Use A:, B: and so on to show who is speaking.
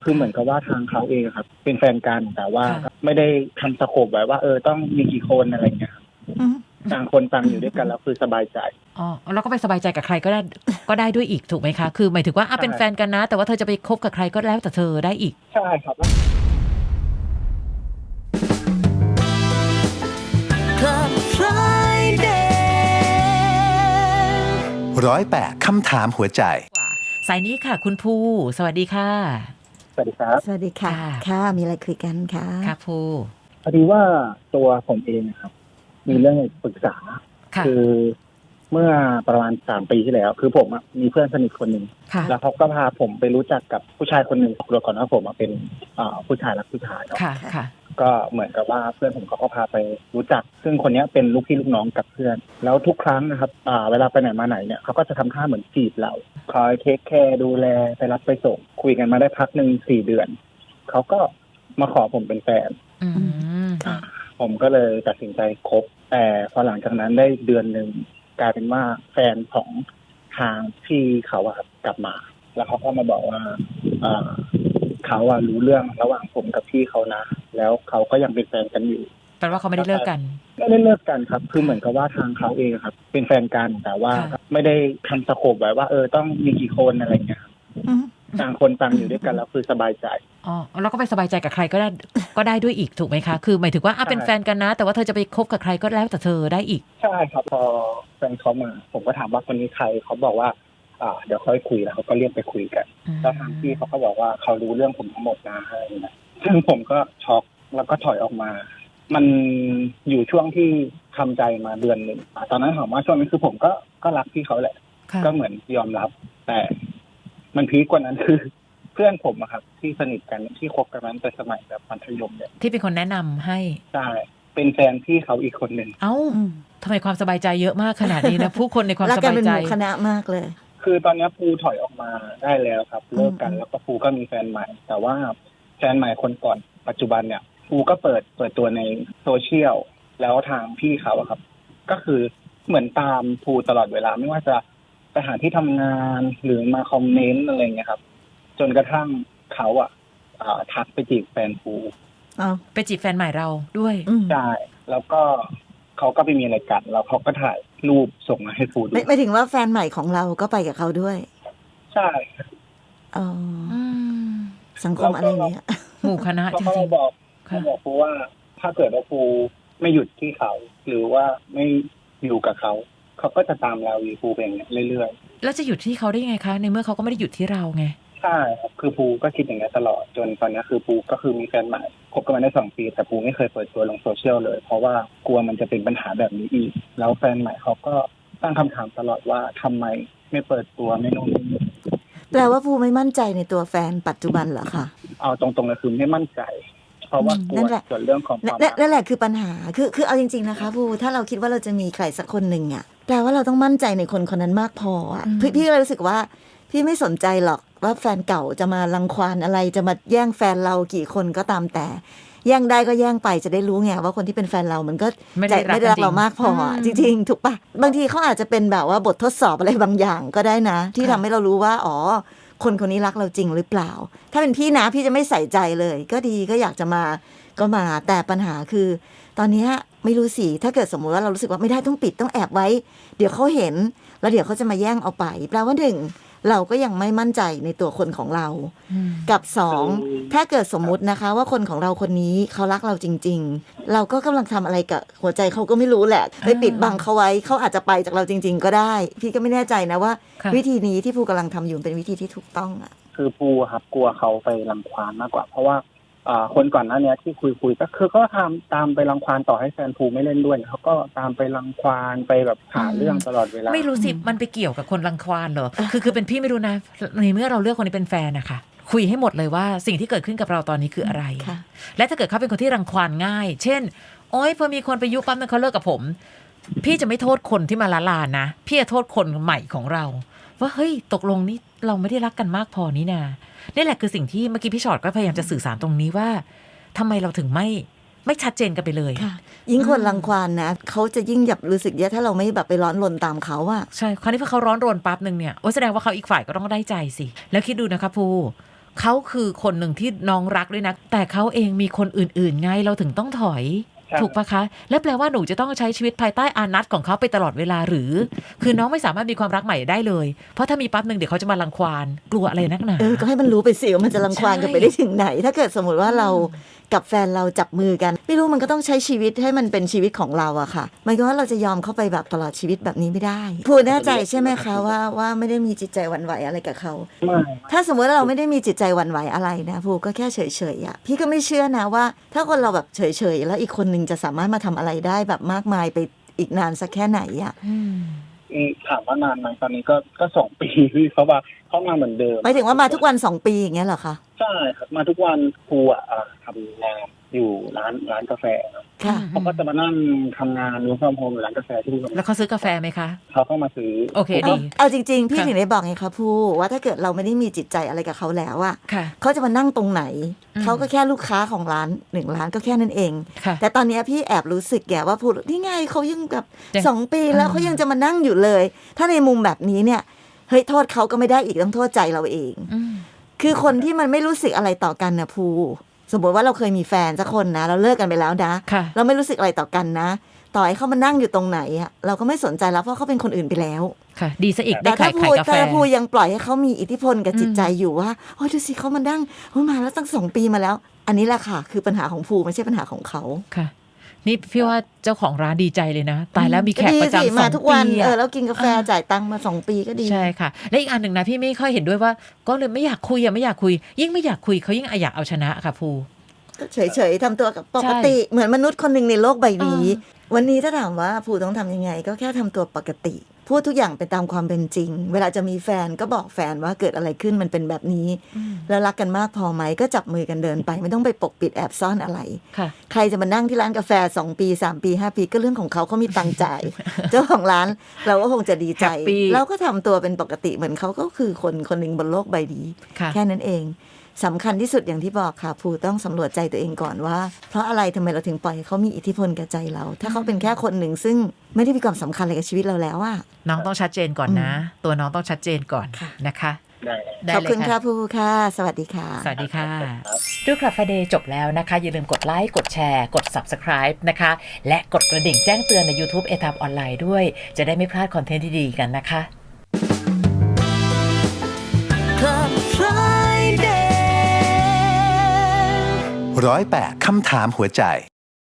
A: คือเหมือนกับว่าทางเขาเองครับเป็นแฟนกันแต่ว่าไม่ได้ทำสโคปไว้ว่าต้องมีกี่คนอะไรเงี้ยต่างคนต่างอยู่ด้วยกันแล้วคือสบายใจ
B: อ๋อแล้วก็ไปสบายใจกับใครก็ได้ด้วยอีกถูกไหมคะคือหมายถึงว่าเป็นแฟนกันนะแต่ว่าเธอจะไปคบกับใครก็แล้วแต่เธอได้อีก
A: ใช่ครับ
C: 108 คำถามหัวใจ
B: สายนี้ค่ะคุณภูสวัสดีค่ะ
A: สวัสดีครับ
D: สวัสดีค่ะค่ะมีอะไรคุยกันคะ
B: ค่ะภู
A: พอดีว่าตัวผมเองครับมีเรื่องปรึกษาคือเมื่อประมาณ3 ปีที่แล้วคือผมมีเพื่อนสนิทคนหนึ่งแล้วเขาก็พาผมไปรู้จักกับผู้ชายคนหนึ่งตัวก่อนว่าผมเป็นผู้ชายรักผู้ชายเนาะก็เหมือนกับว่าเพื่อนผมเขาก็พาไปรู้จักซึ่งคนนี้เป็นลูกพี่ลูกน้องกับเพื่อนแล้วทุกครั้งนะครับเวลาไปไหนมาไหนเนี่ยเขาก็จะทำท่าเหมือนจีบเราคอยเทคแคร์ดูแลไปรับไปส่งคุยกันมาได้พักหนึ่ง4 เดือนเขาก็มาขอผมเป็นแฟนผมก็เลยตัดสินใจคบแต่พอหลังจากนั้นได้เดือนหนึ่งกลายเป็นว่าแฟนของทางพี่เขากลับมาแล้วเขาก็มาบอกว่าเขารู้เรื่องระหว่างผมกับพี่เขานะแล้วเขาก็ยังเป็นแฟนกันอยู่
B: แปลว่าเขาไม่ได้เลิกกัน
A: ไม่ได้เลิกกันครับคือเหมือนกับว่าทางเขาเองครับเป็นแฟนกันแต่ว่าไม่ได้ทำสโคปไว้ว่าต้องมีกี่คนอะไรเงี้ยต่างคนต่างอยู่ด้วยกันแล้วคือสบายใจ
B: อ๋อแล้วก็ไปสบายใจกับใครก็ได้ด้วยอีกถูกไหมคะคือหมายถึงว่าเป็นแฟนกันนะแต่ว่าเธอจะไปคบกับใครก็แล้วแต่เธอได้อีก
A: ใช่ครับพอแฟนเขามาผมก็ถามว่าคนนี้ใครเขาบอกว่าเดี๋ยวค่อยคุยแล้วเขาก็เรียกไปคุยกันแล้วทางพี่เขาก็บอกว่าเขารู้เรื่องผมทั้งหมดนะอะไรอย่างเงี้ยซึ่งผมก็ช็อกแล้วก็ถอยออกมามันอยู่ช่วงที่ทำใจมาเดือนหนึ่งตอนนั้นถามว่าช่วงนี้คือผมก็รักพี่เขาแหละก็เหมือนยอมรับแต่มันพีคกว่านั้นคือเพื่อนผมครับที่สนิทกันที่คบกันนั้นแต่สมัยแบบมัธยมเนี่ย
B: ที่เป็นคนแนะนำให้
A: ใช่เป็นแฟนพี่เขาอีกคนหนึ่ง
B: เอ้าทำไมความสบายใจเยอะมากขนาดนี้นะผู้คนในความสบายใจ
D: เป็นหมู่คณะมากเลย
A: คือตอนนี้ภูถอยออกมาได้แล้วครับเลิกกันแล้วก็ภูก็มีแฟนใหม่แต่ว่าแฟนใหม่คนก่อนปัจจุบันเนี่ยภูก็เปิดตัวในโซเชียลแล้วทางพี่เขาครับก็คือเหมือนตามภูตลอดเวลาไม่ว่าจะไปหาที่ทำงานหรือมาคอมเมนต์อะไรเงี้ยครับจนกระทั่งเขาทักไปจีบแฟนภู
B: ไปจีบแฟนใหม่เราด้วย
A: ใช่แล้วก็เขาก็ไปมีอะไรกันแล้วเขาก็ถ่ายรูปส่งมาให้ภูดู
D: ไม่ถึงว่าแฟนใหม่ของเราก็ไปกับเขาด้วย
A: ใช่
D: อ๋อสังคมอะไรเนี่ย
B: หมู่คณะจริง
A: ๆบอกภูว่าถ้าเกิดว่าภูไม่หยุดที่เขาหรือว่าไม่อยู่กับเขาก็จะตามเราอยู่ภูเป็นอย่างนี้เรื่อย
B: ๆแล้วจะหยุดที่เขาได้ยังไงคะในเมื่อเขาก็ไม่ได้หยุดที่เราไง
A: ใช่ครับคือภูก็คิดอย่างนี้ตลอดจนตอนนี้คือภูก็คือมีแฟนใหม่คบกันมาได้2 ปีแต่ภูไม่เคยเปิดตัวลงโซเชียลเลยเพราะว่ากลัวมันจะเป็นปัญหาแบบนี้อีกแล้วแฟนใหม่เขาก็ตั้งคำถามตลอดว่าทำไมไม่เปิดตัวไม่นู่นนี่
D: แปลว่าภูไม่มั่นใจในตัวแฟนปัจจุบันเหรอคะ
A: เอาตรงๆเลยคือไม่มั่นใจเพราะว่ากลัวส่วนเรื่องของความ
D: นั่นแหละคือปัญหาคือเอาจริงๆนะคะภูถ้าเราคิดว่าเราจะมีใครสักคนหนึ่งแปลว่าเราต้องมั่นใจในคนคนนั้นมากพอพี่เลยรู้สึกว่าพี่ไม่สนใจหรอกว่าแฟนเก่าจะมารังควานอะไรจะมาแย่งแฟนเรากี่คนก็ตามแต่แย่งได้ก็แย่งไปจะได้รู้ไงว่าคนที่เป็นแฟนเรามันก็ไม่ได้รักเรามากพอจริงๆถูกปะบางทีเขาอาจจะเป็นแบบว่าบททดสอบอะไรบางอย่างก็ได้นะที่ทำให้เรารู้ว่าอ๋อคนคนนี้รักเราจริงหรือเปล่าถ้าเป็นพี่นะพี่จะไม่ใส่ใจเลยก็ดีก็อยากจะมาก็มาแต่ปัญหาคือตอนนี้ไม่รู้สิถ้าเกิดสมมติว่าเรารู้สึกว่าไม่ได้ต้องปิดต้องแอบไว้เดี๋ยวเขาเห็นแล้วเดี๋ยวเขาจะมาแย่งเอาไปแปลว่า1เราก็ยังไม่มั่นใจในตัวคนของเรากับ2ถ้าเกิดสมมุตินะคะว่าคนของเราคนนี้เขารักเราจริงๆเราก็กำลังทำอะไรกับหัวใจเขาก็ไม่รู้แหละไปปิดบังเขาไว้เขาอาจจะไปจากเราจริงๆก็ได้พี่ก็ไม่แน่ใจนะว่าวิธีนี้ที่ภูกำลังทำอยู่เป็นวิธีที่ถูกต้อง
A: คือภูครับกลัวเขาไปรังควานมากกว่าเพราะว่าคนก่อนหน้านี้ที่คุยก็คือก็ตามไปรังควานต่อให้แฟนภูไม่เล่นด้วยเขาก็ตามไปรังควานไปแบบหาเรื่องตลอดเวลา
B: ไม่รู้สิมันไปเกี่ยวกับคนรังควานเหรอคือเป็นพี่ไม่รู้นะในเมื่อเราเลือกคนนี้เป็นแฟนนะคะคุยให้หมดเลยว่าสิ่งที่เกิดขึ้นกับเราตอนนี้คืออะไรและถ้าเกิดเขาเป็นคนที่รังควานง่ายเช่นโอ๊ยพอมีคนไปยุปั๊มนึงเขาเลิกกับผมพี่จะไม่โทษคนที่มาละลานนะพี่จะโทษคนใหม่ของเราว่าเฮ้ยตกลงนี่เราไม่ได้รักกันมากพอนี่นะนี่แหละคือสิ่งที่เมื่อกี้พี่ชอตก็พยายามจะสื่อสารตรงนี้ว่าทำไมเราถึงไม่ชัดเจนกันไปเลย
D: ยิ่งคนรังควานนะเขาจะยิ่งหยับรู้สึกแย่ถ้าเราไม่แบบไปร้อนรนตามเขาใ
B: ช่คราวนี้พอเขาร้อนรนปั๊บนึงเนี่ยแสดงว่าเขาอีกฝ่ายก็ต้องได้ใจสิแล้วคิดดูนะคะภูเขาคือคนหนึ่งที่น้องรักด้วยนะแต่เขาเองมีคนอื่นๆไงเราถึงต้องถอยถูกปะคะและแปลว่าหนูจะต้องใช้ชีวิตภายใต้อานัตของเขาไปตลอดเวลาหรือคือน้องไม่สามารถมีความรักใหม่ได้เลยเพราะถ้ามีปั๊บนึงเดี๋ยวเขาจะมารังควานกลัวอะไรนักหนา
D: ก็ให้มันรู้ไปสิว่ามันจะรังควานกันไปได้ถึงไหนถ้าเกิดสมมติว่าเรากับแฟนเราจับมือกันไม่รู้มันก็ต้องใช้ชีวิตให้มันเป็นชีวิตของเราอะค่ะมันก็ว่าเราจะยอมเข้าไปแบบตลอดชีวิตแบบนี้ไม่ได้พูดแน่ใจใช่ไหมคะว่าไม่ได้มีจิตใจหวั่นไหวอะไรกับเขา
A: ไม่
D: ถ้าสมมติว่าเราไม่ได้มีจิตใจหวั่นไหวอะไรนะพูก็แค่เฉยๆอะพี่ก็ไม่เชื่อนะว่าถ้าคนเราแบบเฉยๆแล้วอีกคนนึงจะสามารถมาทำอะไรได้แบบมากมายไปอีกนานสักแค่ไหนอะ
A: ถามว่านานไหมตอนนี้ก็2 ปีพี่เขาว่าเขามาเหมือนเดิม
D: หมายถึงว่ามาทุกวัน2 ปีอย่างเงี้ยเหรอคะ
A: ใช่ครับมาทุกวันครูทำงานอยู่ร้านกาแฟเขาก็จะมานั่งทำงานรู้ความโฮมอยู่ร้านกาแฟที่
B: แล้วเขาซื้อกาแฟไหมคะ
A: เขาเข้ามาซื้อ
B: โอเคดี
D: เอาจริงๆพี่ถึงได้บอกไงคะผู้ว่าถ้าเกิดเราไม่ได้มีจิตใจอะไรกับเขาแล้วอะเขาจะมานั่งตรงไหนเขาก็แค่ลูกค้าของร้าน1 ร้านก็แค่นั้นเองแต่ตอนนี้พี่แอบรู้สึกแกว่าพูดนี่ไงเขายังแบบ2 ปีแล้วเขายังจะมานั่งอยู่เลยถ้าในมุมแบบนี้เนี่ยเฮ้ยโทษเขาก็ไม่ได้อีกต้องโทษใจเราเองคือคนที่มันไม่รู้สึกอะไรต่อกันนะภูสมมติว่าเราเคยมีแฟนสักคนนะเราเลิกกันไปแล้วนะเราไม่รู้สึกอะไรต่อกันนะต่อให้เขามานั่งอยู่ตรงไหนอะเราก็ไม่สนใจแล้วเพราะเขาเป็นคนอื่นไปแล้ว
B: ค่ะดีซะอีกได้
D: ขายกาแฟแต่ถ้าภูยังปล่อยให้เขามีอิทธิพลกับจิตใจอยู่ว่าโอ้ดูสิเขามานั่งมาแล้วตั้ง2 ปีมาแล้วอันนี้แหละค่ะคือปัญหาของภูไม่ใช่ปัญหาของเขา
B: ค่ะนี่พี่ว่าเจ้าของร้านดีใจเลยนะตายแล้วมีแขกประจำ
D: มาทุกวันแล้วกินกาแฟจ่ายตังค์มา2 ปีก็ดี
B: ใช่ค่ะและอีกอันหนึ่งนะพี่ไม่ค่อยเห็นด้วยว่าก็เลยไม่อยากคุยไม่อยากคุยยิ่งไม่อยากคุยเขายิ่งอยากเอาชนะค่ะภู
D: เฉยๆทำตัวปกติเหมือนมนุษย์คนหนึ่งในโลกใบนี้วันนี้ถ้าถามว่าภูต้องทำยังไงก็แค่ทำตัวปกติพูดทุกอย่างไปตามความเป็นจริงเวลาจะมีแฟนก็บอกแฟนว่าเกิดอะไรขึ้นมันเป็นแบบนี้แล้วรักกันมากพอไหมก็จับมือกันเดินไปไม่ต้องไปปกปิดแอบซ่อนอะไรใครจะมานั่งที่ร้านกาแฟ2 ปี3 ปี5 ปีก็เรื่องของเขามีตังค์จ่าย เจ้าของร้านเราก็คงจะดีใจเราก็ทำตัวเป็นปกติเหมือนเขาก็คือคนหนึ่งบนโลกใบนี้แค่นั้นเองสำคัญที่สุดอย่างที่บอกค่ะภูต้องสำรวจใจตัวเองก่อนว่าเพราะอะไรทำไมเราถึงปล่อยให้เขามีอิทธิพลกับใจเราถ้าเขาเป็นแค่คนหนึ่งซึ่งไม่ได้มีความสำคัญอะไรกับชีวิตเราแล้วอะ
B: น้องต้องชัดเจนก่อนนะตัวน้องต้องชัดเจนก่อนนะคะ
D: ขอบคุณค่ะภูค่ะสวัสดีค่ะ
B: สวัสดีค่ะดูคลับ Friday จบแล้วนะคะอย่าลืมกดไลค์กดแชร์กด Subscribe นะคะและกดกระดิ่งแจ้งเตือนใน YouTube ATAP ออนไลน์ด้วยจะได้ไม่พลาดคอนเทนต์ที่ดีกันนะคะ
C: Club Friday 108 คำถามหัวใจ